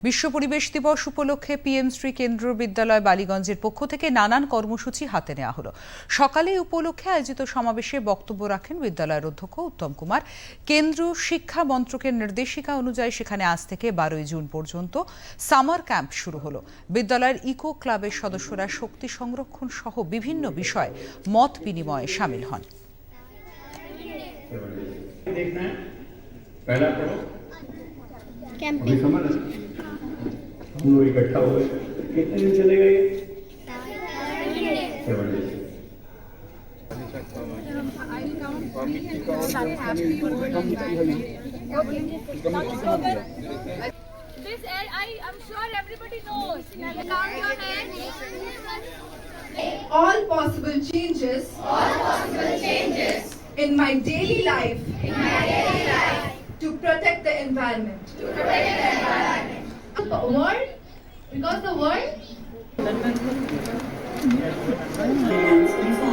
বিশ্ব পরিবেশ দিবস উপলক্ষে পিএম শ্রী কেন্দ্রীয় বিদ্যালয় বালিগঞ্জের পক্ষ থেকে নানান কর্মসূচি হাতে নেওয়া হলো। সকালে এই উপলক্ষে আয়োজিত সমাবেশে বক্তব্য রাখেন বিদ্যালয়ের অধ্যক্ষ উত্তম কুমার। কেন্দ্রীয় শিক্ষা মন্ত্রকের নির্দেশিকা অনুযায়ী সেখানে আজ থেকে 12 জুন পর্যন্ত সামার ক্যাম্প শুরু হলো। বিদ্যালয়ের ইকো ক্লাবের সদস্যরা শক্তি সংরক্ষণ সহ বিভিন্ন বিষয়ে মত বিনিময়ে শামিল হন। हम लोग इकट्ठा हुए कितने दिन चलेगा ये? 7 days। This I'm sure everybody knows. Count your hands. All possible changes in my daily life to protect the environment. The world, because the world